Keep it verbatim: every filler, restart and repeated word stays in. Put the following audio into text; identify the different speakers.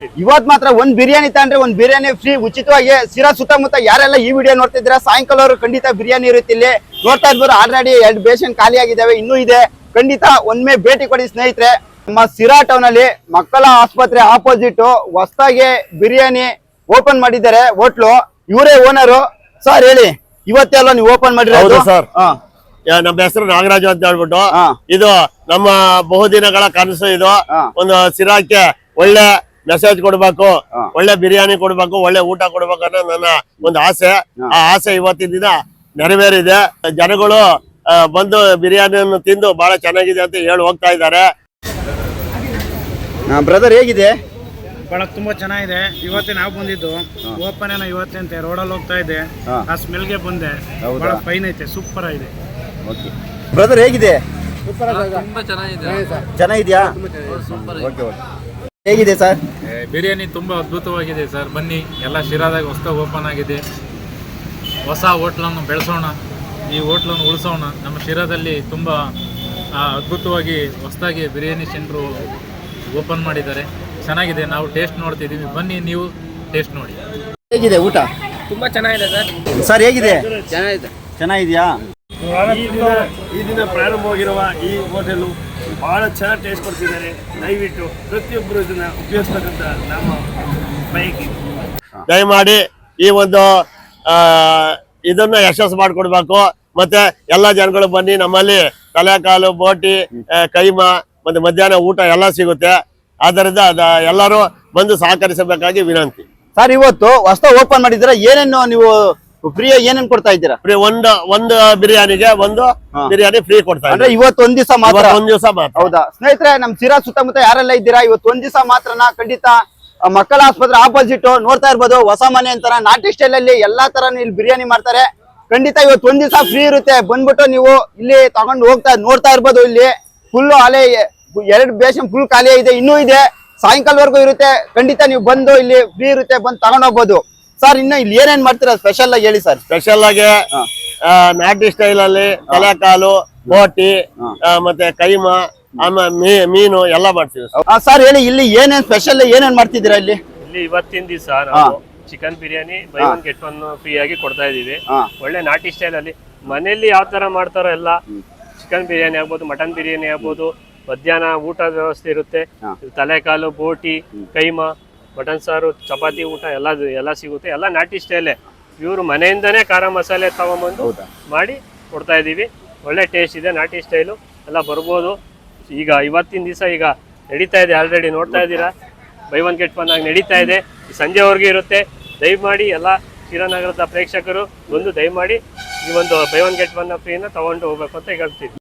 Speaker 1: ಇವತ್ ಮಾತ್ರ ಒಂದ್ ಬಿರಿಯಾನಿ ತಗೊಂಡ್ರೆ ಒಂದ್ ಬಿರಿಯಾನಿ ಫ್ರೀ ಉಚಿತವಾಗಿ ಸಿರಾ ಸುತ್ತಮುತ್ತ ಯಾರೆಲ್ಲ ಈ ವಿಡಿಯೋ ನೋಡ್ತಿದ್ದೀರಾ ಸಾಯಂಕಾಲ ಅವರು ಖಂಡಿತ ಬಿರಿಯಾನಿ ಇರುತ್ತೆ ಇಲ್ಲಿ ನೋಡ್ತಾ ಇರ್ಬೋದು. ಆಲ್ರೆಡಿ ಎರಡು ಬೇಷನ್ ಖಾಲಿ ಆಗಿದ್ದಾವೆ, ಇನ್ನೂ ಇದೆ. ಖಂಡಿತ ಒಮ್ಮೆ ಭೇಟಿ ಕೊಡಿ ಸ್ನೇಹಿತರೆ. ನಮ್ಮ ಸಿರಾ ಟೌನ್ ಅಲ್ಲಿ ಮಕ್ಕಳ ಆಸ್ಪತ್ರೆ ಆಪೋಸಿಟ್ ಹೊಸದಾಗಿ ಬಿರಿಯಾನಿ ಓಪನ್ ಮಾಡಿದ್ದಾರೆ ಹೋಟ್ಲು. ಇವರೇ ಓನರು. ಸರ್ ಹೇಳಿ, ಇವತ್ತೆಲ್ಲ ನೀವು ಓಪನ್ ಮಾಡಿರೋದು?
Speaker 2: ಸರ್ ನಮ್ಮ ಹೆಸರು ನಾಗರಾಜು ಅಂತ ಹೇಳ್ಬಿಟ್ಟು, ಇದು ನಮ್ಮ ಬಹುದಿನಗಳ ಕನಸು. ಇದು ಒಂದು ಸಿರಾಕ್ಕೆ ಒಳ್ಳೆ ಮೆಸೇಜ್ ಕೊಡ್ಬೇಕು, ಒಳ್ಳೆ ಬಿರಿಯಾನಿ ಕೊಡ್ಬೇಕು, ಒಳ್ಳೆ ಊಟ ಕೊಡ್ಬೇಕು ಅನ್ನೋ ನನ್ನ ಒಂದು ಆಸೆ. ಆ ಆಸೆ ಇವತ್ತಿನ ದಿನ ನೆರವೇರಿದೆ. ಜನಗಳು ಬಂದು ಬಿರಿಯಾನಿಯನ್ನು ತಿಂದು ಬಹಳ ಚೆನ್ನಾಗಿದೆ ಅಂತ ಹೇಳಿ ಹೋಗ್ತಾ ಇದ್ದಾರೆ.
Speaker 1: ಬ್ರದರ್ ಹೇಗಿದೆ?
Speaker 3: ಬಹಳ ತುಂಬಾ ಚೆನ್ನಾಗಿದೆ. ಇವತ್ತೇ ನಾವು ಬಂದಿದ್ದು ಓಪನ್ ಏನೋ ಇವತ್ತೇ ಅಂತೆ, ರೋಡಲ್ಲಿ ಹೋಗ್ತಾ ಇದೆ, ಆ ಸ್ಮೆಲ್ಗೆ ಬಂದೆ. ಬಹಳ ಫೈನ್ ಐತೆ, ಸೂಪರ್ ಆಗಿದೆ.
Speaker 1: ಬ್ರದರ್ ಹೇಗಿದೆ?
Speaker 4: ತುಂಬಾ ಚೆನ್ನಾಗಿದೆ.
Speaker 1: ಚೆನ್ನಾಗಿದ್ಯಾ? ಹೇಗಿದೆ ಸರ್?
Speaker 4: ಬಿರಿಯಾನಿ ತುಂಬಾ ಅದ್ಭುತವಾಗಿದೆ ಸರ್. ಬನ್ನಿ, ಎಲ್ಲ ಶಿರಾದಾಗ ಹೊಸದಾಗಿ ಓಪನ್ ಆಗಿದೆ. ಹೊಸ ಹೋಟ್ಲನ್ನು ಬೆಳೆಸೋಣ, ಈ ಹೋಟ್ಲನ್ನು ಉಳಿಸೋಣ. ನಮ್ಮ ಶಿರಾದಲ್ಲಿ ತುಂಬ ಅದ್ಭುತವಾಗಿ ಹೊಸದಾಗಿ ಬಿರಿಯಾನಿ ಸೆಂಟ್ರು ಓಪನ್ ಮಾಡಿದ್ದಾರೆ. ಚೆನ್ನಾಗಿದೆ, ನಾವು ಟೇಸ್ಟ್ ನೋಡ್ತಿದ್ದೀವಿ. ಬನ್ನಿ, ನೀವು ಟೇಸ್ಟ್ ನೋಡಿ.
Speaker 1: ಹೇಗಿದೆ ಊಟ?
Speaker 4: ತುಂಬ ಚೆನ್ನಾಗಿದೆ ಸರ್.
Speaker 1: ಸರ್ ಹೇಗಿದೆ?
Speaker 4: ಚೆನ್ನಾಗಿದೆ.
Speaker 1: ಚೆನ್ನಾಗಿದೆಯಾ?
Speaker 2: ಈ ದಿನ ಪ್ರಾರಂಭವಾಗಿರುವ ಈ ಹೋಟೆಲು ಬಹಳ ಚೆನ್ನಾಗಿ ಟೇಸ್ಟ್ ಕೊಡ್ತಿದ್ದಾರೆ. ದಯವಿಟ್ಟು ಪ್ರತಿಯೊಬ್ಬರು ಇದನ್ನ ಉಪಯೋಗಿಸ್ತಕ್ಕಂಥ ನಮ್ಮ ಬಯಕೆ. ದಯಮಾಡಿ ಈ ಒಂದು ಇದನ್ನ ಯಶಸ್ಸು ಮಾಡಿಕೊಡ್ಬೇಕು. ಮತ್ತೆ ಎಲ್ಲ ಜನಗಳು ಬನ್ನಿ. ನಮ್ಮಲ್ಲಿ ತಲೆಕಾಲು, ಬೋಟಿ, ಕೈಮಾ ಮತ್ತೆ ಮಧ್ಯಾಹ್ನ ಊಟ ಎಲ್ಲ ಸಿಗುತ್ತೆ. ಆದ್ದರಿಂದ ಎಲ್ಲರೂ ಬಂದು ಸಹಕರಿಸಬೇಕಾಗಿ ವಿನಂತಿ.
Speaker 1: ಸರ್ ಇವತ್ತು ಹೊಸ ಓಪನ್ ಮಾಡಿದ್ರೆ ಏನೇನು ನೀವು ಫ್ರೀ ಏನೇನ್ ಕೊಡ್ತಾ ಇದ್ದೀರಾ?
Speaker 2: ಫ್ರೀ ಒಂದು ಒಂದು ಬಿರಿಯಾನಿಗೆ ಒಂದು ಬಿರಿಯಾನಿ ಫ್ರೀ ಕೊಡ್ತಾ
Speaker 1: ಅಂದ್ರೆ ಇವತ್ತು ಒಂದ್ ದಿವಸ ಮಾತ್ರ?
Speaker 2: ಒಂದ್ ದಿವಸ ಮಾತ್ರ.
Speaker 1: ಹೌದಾ ಸ್ನೇಹಿತರೆ, ನಮ್ ಸಿರಾ ಸುತ್ತಮುತ್ತ ಯಾರೆಲ್ಲ ಇದ್ದೀರಾ, ಇವತ್ತು ಒಂದ್ ದಿವಸ ಮಾತ್ರನ. ಖಂಡಿತ ಮಕ್ಕಳ ಆಸ್ಪತ್ರೆ ಆಪೋಸಿಟ್ ನೋಡ್ತಾ ಇರ್ಬೋದು, ಹೊಸ ಮನೆ ಅಂತಾರ ನಾಟಿ ಸ್ಟೈಲ್ ಅಲ್ಲಿ ಎಲ್ಲಾ ತರ ಇಲ್ಲಿ ಬಿರಿಯಾನಿ ಮಾಡ್ತಾರೆ. ಖಂಡಿತ ಇವತ್ತು ಒಂದ್ ದಿವಸ ಫ್ರೀ ಇರುತ್ತೆ. ಬಂದ್ಬಿಟ್ಟು ನೀವು ಇಲ್ಲಿ ತಗೊಂಡು ಹೋಗ್ತಾ ನೋಡ್ತಾ ಇರ್ಬೋದು. ಇಲ್ಲಿ ಫುಲ್ ಅಲೆ ಎರಡು ಬೇಷನ್ ಫುಲ್ ಖಾಲಿ ಇದೆ, ಇನ್ನೂ ಇದೆ, ಸಾಯಂಕಾಲವರೆಗೂ ಇರುತ್ತೆ. ಖಂಡಿತ ನೀವು ಬಂದು ಇಲ್ಲಿ ಫ್ರೀ ಇರುತ್ತೆ, ಬಂದು ತಗೊಂಡ್ ಹೋಗ್ಬೋದು. ಸರ್ ಇನ್ನು ಇಲ್ಲಿ ಏನೇನ್ ಮಾಡ್ತೀರಾ ಸ್ಪೆಷಲ್ ಆಗಿ ಹೇಳಿ ಸರ್?
Speaker 2: ಸ್ಪೆಷಲ್ ಆಗಿ ನಾಟಿ ಸ್ಟೈಲ್ ಅಲ್ಲಿ ತಲೆಕಾಲು, ಬೋಟಿ ಮತ್ತೆ ಕೈಮಾ, ಆಮೇಲೆ ಮೀನು ಎಲ್ಲ ಮಾಡ್ತೀವಿ
Speaker 1: ಸರ್. ಹೇಳಿ, ಇಲ್ಲಿ ಏನೇನ್ ಸ್ಪೆಷಲ್ ಏನೇನ್ ಮಾಡ್ತಿದ್ದೀರಾ ಇಲ್ಲಿ?
Speaker 5: ಇಲ್ಲಿ ಇವತ್ತಿನ ದಿವಸ ನಾವು chicken biryani buy one get one free ಆಗಿ ಕೊಡ್ತಾ ಇದೀವಿ. ಒಳ್ಳೆ ನಾಟಿ ಸ್ಟೈಲ್ ಅಲ್ಲಿ ಮನೆಯಲ್ಲಿ ಯಾವ ತರ ಮಾಡ್ತಾರೋ ಎಲ್ಲ ಚಿಕನ್ ಬಿರಿಯಾನಿ ಆಗ್ಬೋದು, ಮಟನ್ ಬಿರಿಯಾನಿ ಆಗ್ಬೋದು, ಮಧ್ಯಾಹ್ನ ಊಟದ ವ್ಯವಸ್ಥೆ ಇರುತ್ತೆ. ತಲೆಕಾಲು, ಬೋಟಿ, ಕೈಮಾ, ಮಟನ್ ಸಾರು, ಚಪಾತಿ ಊಟ ಎಲ್ಲ ಎಲ್ಲ ಸಿಗುತ್ತೆ. ಎಲ್ಲ ನಾಟಿ ಸ್ಟೈಲೇ. ಇವರು ಮನೆಯಿಂದನೇ ಖಾರ ಮಸಾಲೆ ತಗೊಂಬಂದು ಮಾಡಿ ಕೊಡ್ತಾ ಇದೀವಿ. ಒಳ್ಳೆ ಟೇಸ್ಟ್ ಇದೆ, ನಾಟಿ ಸ್ಟೈಲು ಎಲ್ಲ ಬರ್ಬೋದು. ಈಗ ಇವತ್ತಿನ ದಿವಸ ಈಗ ನಡೀತಾ ಇದೆ, ಆಲ್ರೆಡಿ ನೋಡ್ತಾ ಇದ್ದೀರಾ. ಬೈ ಒನ್ ಗೆಟ್ ಒನ್ ಆಗಿ ನಡೀತಾ ಇದೆ, ಸಂಜೆವರೆಗೂ ಇರುತ್ತೆ. ದಯಮಾಡಿ ಎಲ್ಲ ಶಿರಾನಗರದ ಪ್ರೇಕ್ಷಕರು ಬಂದು ದಯಮಾಡಿ ಈ ಒಂದು ಬೈ ಒನ್ ಗೆಟ್ ಒನ್ ಫ್ರೀನ ತಗೊಂಡು ಹೋಗ್ಬೇಕು ಅಂತ ಹೇಳ್ತೀವಿ.